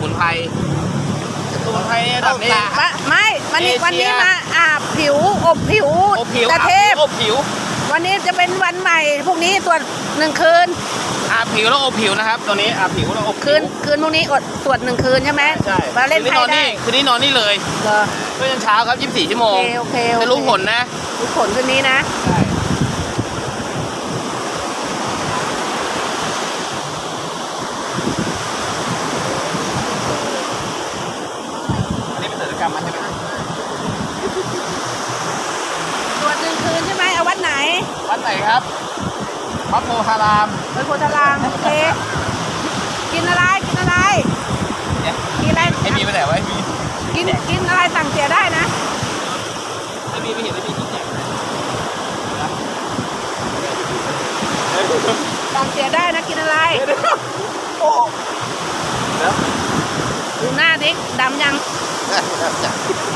มุนไพรเนี่ยระดับนี้ไม่วันนี้เอเชียวันนี้มาอาบผิวอบผิวอบผิวตะเทพอบผิววันนี้จะเป็นวันใหม่พรุ่งนี้ตรวจ1 คืนอาบผิวแล้วอบผิวนะครับตัวนี้อาบผิวแล้วอบผิวคืนพรุ่งนี้อดตรวจ1 คืนใช่ไหมใช่มาเล่นไพ่ได้คืนนี้นอนนี่เลยเหรอเพื่อยันเช้าครับ24 ชั่วโมงโอเคจะรู้ผลนะรู้ผลคืนนี้นะใช่อันนี้เป็นกิจกรรมมันใช่ไหมตรวจ1 คืนใช่ไหมเอาวัดไหนวัดไหนครับวัดโพธารามไปโพธารามโอเคกินอะไรกินอะไรเนี่ยกินอะไรไอ้มีไปไหนวะไอ้มีกินอะไรสั่งเสียได้นะไอ้มีไม่เห็นไอ้มีที่แจกเลยสั่งเสียได้นะกินอะไรโอ้เดี๋ยวดูหน้าดิดำยังได้